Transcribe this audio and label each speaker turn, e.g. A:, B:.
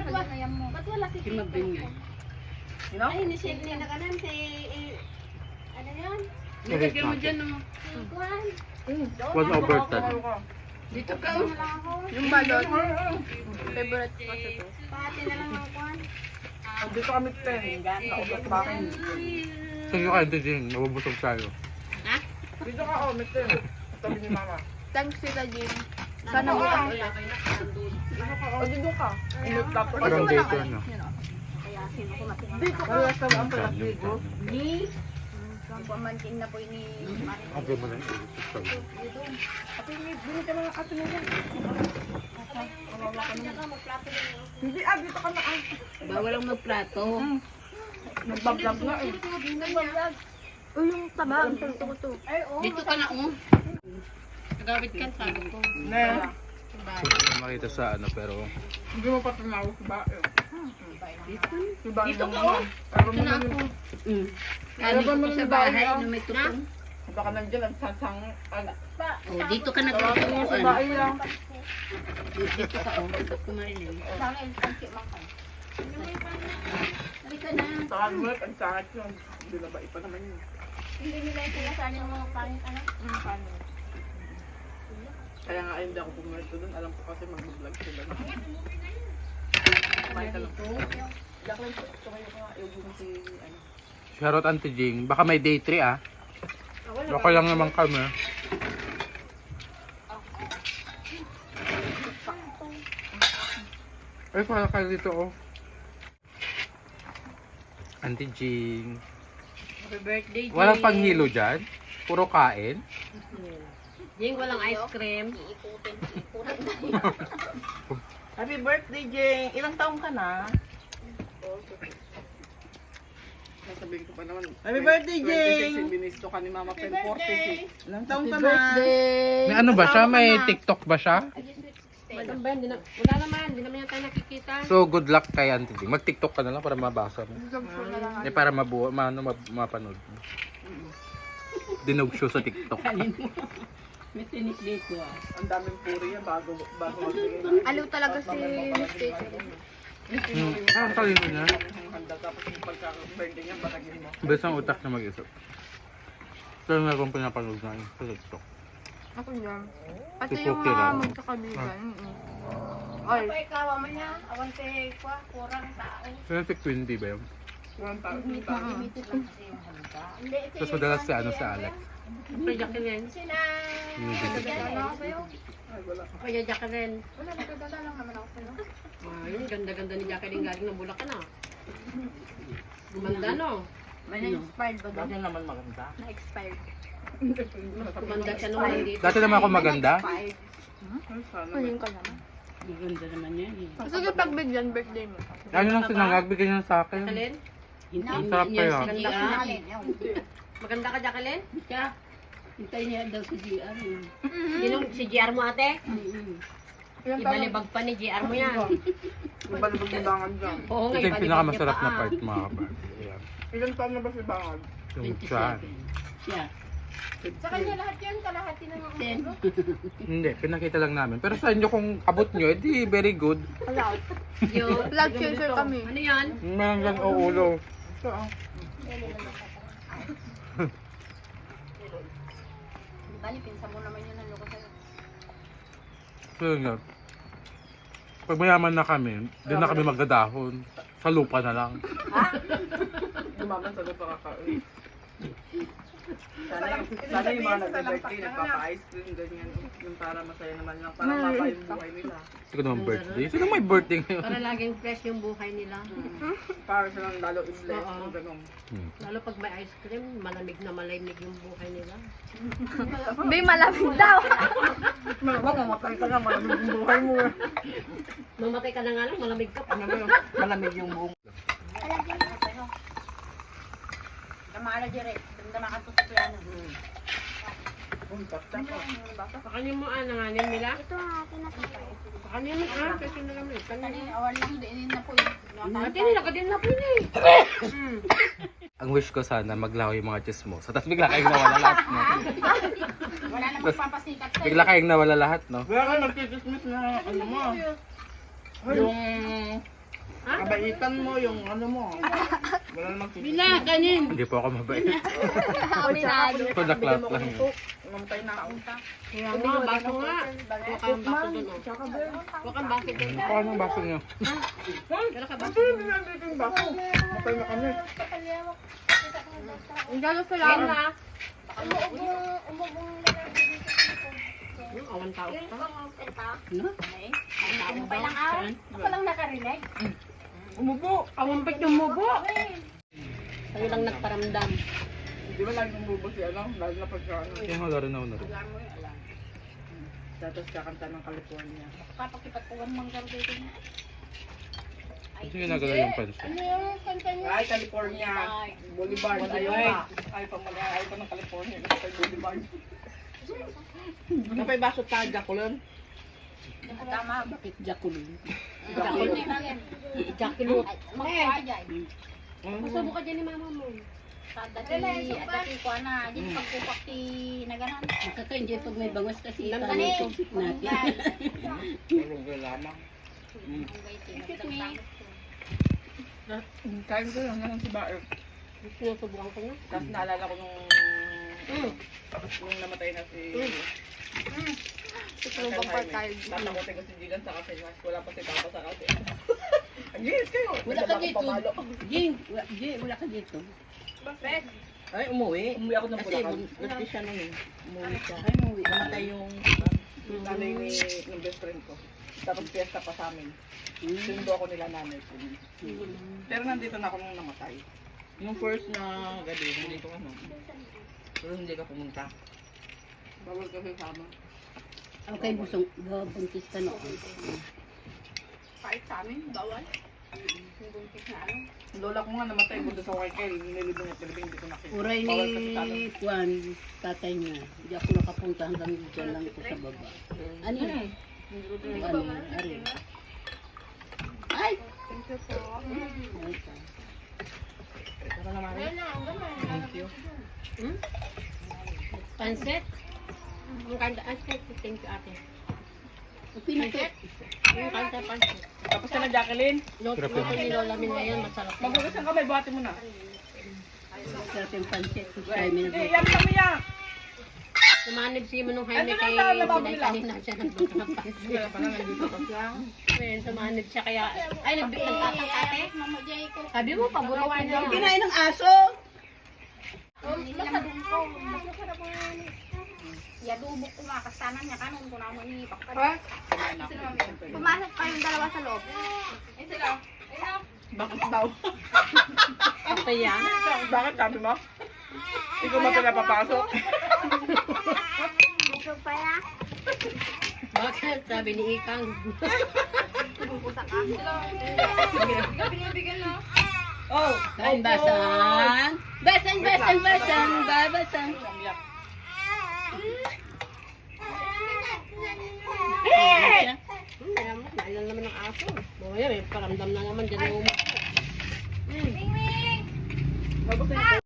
A: Ba't wala si Tito?
B: No?
A: Ay, ni-shave niya na kanan si... Ano yun?
C: Nilagyan mo dyan, no?
A: Si Juan.
D: 1/10.
C: Dito ka,
A: Ano lang ako?
B: Yung balot. Favorite ko kasi to.
A: Pati na lang ang Juan.
B: Dito kami 10. Naubos pa akin.
D: Sige ka, hindi din. Nabubusog tayo.
B: Dito ka, oh, may 10. Tabi ni mama.
E: Thanks Tita Jim. Sana bukas ulit.
B: O, dito ka. Umit ka po.
D: Parang dito, no?
A: Kaya sino ko matindi.
B: Dito ka. Wala sa ang palapigo.
A: Ni? Ang pamangkin na po ni Marin.
D: Ang ganda na yung
B: Ate, bili ka ng ato na yan.
A: Magplato na magplato na yun.
B: Hindi, dito ka na.
C: bawal ang magplato.
B: Nagbablog na eh.
E: Uy, yung taba. Ang gusto ko to.
A: Ay, oo.
C: Dito ka na, oh. Nagawit ka, sabi ko.
B: Na.
D: makita sa ano, pero
B: Hindi mo pa tumawa sa bae.
C: Dito ka, oh.
B: Pero
C: Dito na ako. Kali ko sa bahay na may tutong.
B: baka nandiyan ang sasang.
C: Oh, dito ka
B: Sa
C: nagtutuan.
B: bae lang.
C: Dito ka, oh. Dito ko marinig.
A: Sana yung tangki man ka. Halika na.
B: Sa kanwet, ang sakit yun. Hindi na ba ipa naman yun.
A: Hindi nila yung sinasabi ng mga pangit, ano?
B: Kaya nga hindi ako pumunta doon. Alam ko kasi mag-vlog sila. Kumain ka lang. Jacqueline, tumayo ka nga. Yung si, ano.
D: shoutout Auntie Jing. Baka may day 3 ah. Baka lang naman kami. Ay, para kayo dito oh. Auntie Jing.
C: Happy birthday, Jing.
D: Walang panghilo dyan? Puro kain?
C: Jing, walang ice cream.
A: Iikutin.
B: Happy birthday, Jing! Ilang taong ka na? Sasabihin ko pa naman. Happy birthday, Jing! 26 binisto ka ni Mama Pen, 46. Ilang taong ka na?
D: May ano ba siya? May TikTok ba siya?
C: Madam Ben, wala naman. Hindi naman yan tayo nakikita.
D: So, good luck kay Auntie Jing. Mag-TikTok ka na lang para mabasa mo. Eh, para mapanood mo. Dinog show sa TikTok.
C: May tinik dito, ah.
B: Ang daming puri yan bago magbigay.
E: Aliw talaga si Miss Tito.
D: Ang talino niya.
B: Handa tapos yung pagka-birthday niya, batagin mo.
D: Best ang utak na mag-isip. Pero nga kung pinapanood na yun sa TikTok.
E: Ako yan. Pati
D: Si
E: yung
D: Cookie
E: mga
D: lang.
E: magkakabigan. Ay,
A: Apa ikaw, manya? Awan te, kwa, kurang tao.
D: Pero si Quindy ba yun?
B: Walang tao.
A: Limited lang kasi yung handa. Hindi, si...
D: Tapos madalas si ano sa Alex.
C: Kaya Jacqueline.
A: Sina...
D: Hindi.
A: Ano sa'yo?
B: Ay, wala.
C: Kaya Jacqueline.
A: Wala, nagdadala lang naman ako sa'yo.
C: Ayun, ganda-ganda ni Jacqueline galing ng Bulacan, ah. Gumanda, no?
A: May na-expired ba
B: Bakit naman maganda?
A: Na-expired.
C: Gumanda siya nung nandito.
D: Dati naman ako maganda.
B: Ay, sana.
E: ayun ka naman.
C: Ganda naman yan, eh.
E: Sige, pagbigyan, birthday mo.
D: Ano lang sinangag, bigyan niya sa akin.
C: Jacqueline?
D: Ang sarap
C: niya
D: kaya.
C: si
A: Ganda
C: GR.
A: sa alin.
C: Maganda ka, Jacqueline?
F: Siya, hintayin niya daw si GR.
C: Sinong si GR mo, ate?
B: Ilang taon?
C: Ibalibag pa ni GR mo yan.
B: Yung balibag ni Bangad dyan.
C: Oo nga,
D: Ito yung
C: ibalibag
D: pinakamasarap
C: niya
D: na
C: pa,
D: part mga kapatid. Ayan.
B: Ilang taon na ba si Bangad?
D: Yung siya.
F: 27. Siya.
A: Sa kanya lahat yan, kalahati na mga
F: 10.
D: Hindi, pinakita lang namin. Pero sa inyo kung abot nyo, edi very good.
E: Allowed.
C: Yun.
E: Vlog chaser kami.
C: Ano yan?
D: Meron lang o ulo.
B: Ito ah.
A: Bali, pinsa mo naman yun ang loko sa'yo.
D: So yun nga. Pag mayaman na kami, doon na kami magdadahon. Sa lupa na lang.
B: Dumaman sa lupa kakain. Sana yung mga nag-birthday, nagpapa-ice cream, ganyan. Yung para masaya naman lang. Para mapa yung buhay nila.
D: Hindi ko naman birthday. Sino may birthday ngayon?
C: Para laging fresh yung buhay nila.
B: Para silang lalo i-bless.
C: Oo.
B: Ganun.
C: Lalo pag may ice cream, malamig na malamig yung buhay nila.
E: Bay, malamig daw.
B: Wag mamatay ka na, malamig yung buhay mo.
C: Mamatay ka na nga lang, malamig ka pa.
B: Ano ba yun? Malamig yung buong.
A: Alagyan na sa'yo. Damara dire, damara ka sa plano.
C: Sa kanya mo, nanganin nila.
A: Ito ang akin na sa'yo.
C: Sa kanya mo, kasi na lang.
A: Kanina, awan lang din na po yun.
C: Ate, nila ka din na po yun, eh.
D: Ang wish ko sana maglaho yung mga chismosa. Tapos bigla kayong nawala lahat, no?
A: Wala na magpapasikat sa'yo.
D: Bigla kayong nawala lahat, no?
B: Kaya ka nagtitismis na ano mo. Yung Kabaitan mo yung ano mo. Wala namang
F: Bila, kanin.
D: Hindi po ako mabait.
E: Aminado.
D: Padaklat lang yun.
B: Namatay na ako.
C: Kaya nga, baso nga. Huwag kang baso dun, oh. Huwag kang baso dun.
D: Kuha ng baso niyo.
C: Wala ka baso.
B: Nandito yung bako. Namatay na kami.
E: Ang galo sa
C: Yan
E: lang.
C: na. Yung awan tao ka.
F: No? Saan?
A: Ako lang nakarinig.
B: Umubo.
C: Awampit yung mubo. Kayo lang nagparamdam.
B: Di ba lagi umubo si ano? Lalo na pagka ano.
D: Kaya nga laro na ako na rin.
B: Tapos kakanta ng California.
A: Papakipagpugan mang dito niya.
D: Kasi ginagalaw yung pansin.
B: Ay, California. Boulevard. Ayaw pa. Ayaw pa ng California. Gusto tayo Boulevard. Kapay baso tayo, Jaculon.
A: Tama.
F: Bakit Jaculin?
C: Jacqueline.
B: Gusto
C: Masubo ka dyan ni mama mo.
A: Dati ko na, di pagkupak ti naganan.
F: Nakaka-enjoy pag may bangas kasi
A: Lamsan
F: tayo
A: eh.
F: topic natin.
B: Tulog ka lamang. Kain ko lang naman si Baer.
C: Sinusubukan ko na.
B: Tapos naalala ko nung namatay na si
E: Tutulong pa tayo.
B: tatakotin ko si Jilan sa kasi wala pa si Papa sa kasi. Yes, kayo.
F: Wala ka dito. Jing, wala ka dito.
B: Ay, umuwi. Umuwi ako ng
F: Kasi
B: Bulacan. Gusto siya nung umuwi siya.
F: Ay, umuwi.
B: Namatay yung nanay ng best friend ko. Tapos fiesta pa sa amin. Sundo ako nila nanay ko. Pero nandito na ako nung namatay. Yung first na gabi, nandito ka no. Pero hindi ka pumunta. Bawal ka sama.
F: Okay, busong. Buntis ka noon.
A: Kahit sa amin, bawal. Yung buntis na ano.
B: Lola ko nga namatay, bundo sa Waikay. Nilibing at nilibing, hindi ko nakita.
F: Uray
B: Bawal kasi sa amin.
F: ni Juan, tatay niya. Hindi ako nakapunta hanggang dyan lang ko sa baba. Ano yun? Ano? Ari. Ay!
B: Tara naman. Thank you.
C: Pansit? Ang kanta, thank you ate.
F: Pinakit.
C: Yung kanta pansit.
B: Tapos ka na, Jacqueline.
C: Luto ni Lola Min ngayon, masarap.
B: Maghugas ang kamay, buhati mo na.
F: Sarap yung pancit. Try mo
B: Hindi,
F: na.
B: yan kami yan.
C: Sumanib si Manong Jaime
B: Ano
C: kay
B: na sa lababo
C: Pinay
B: nila?
C: kanina siya nagluto ng pansit.
B: Wala pa na, nandito pa siya.
C: Ayun, sumanib siya kaya, ay nagtatang ate.
A: Mama Jay ko.
C: Sabi mo, paborito niya.
F: Kinain ng aso!
A: Masadun ko. Masarap mo yan. Yadubok ko nga, kastanan niya kanon ko naman ni Pakar.
E: Pumasok kayong dalawa sa loob.
B: Bakit daw?
C: Ate yan.
B: Bakit sabi mo? Ikaw ba pinapapasok?
E: Gusto pa ya.
C: Bakit? Sabi ni Ikang.
E: Pupusak ka.
B: Oh!
F: Kain basang! Basang, basang, basang! Babasang!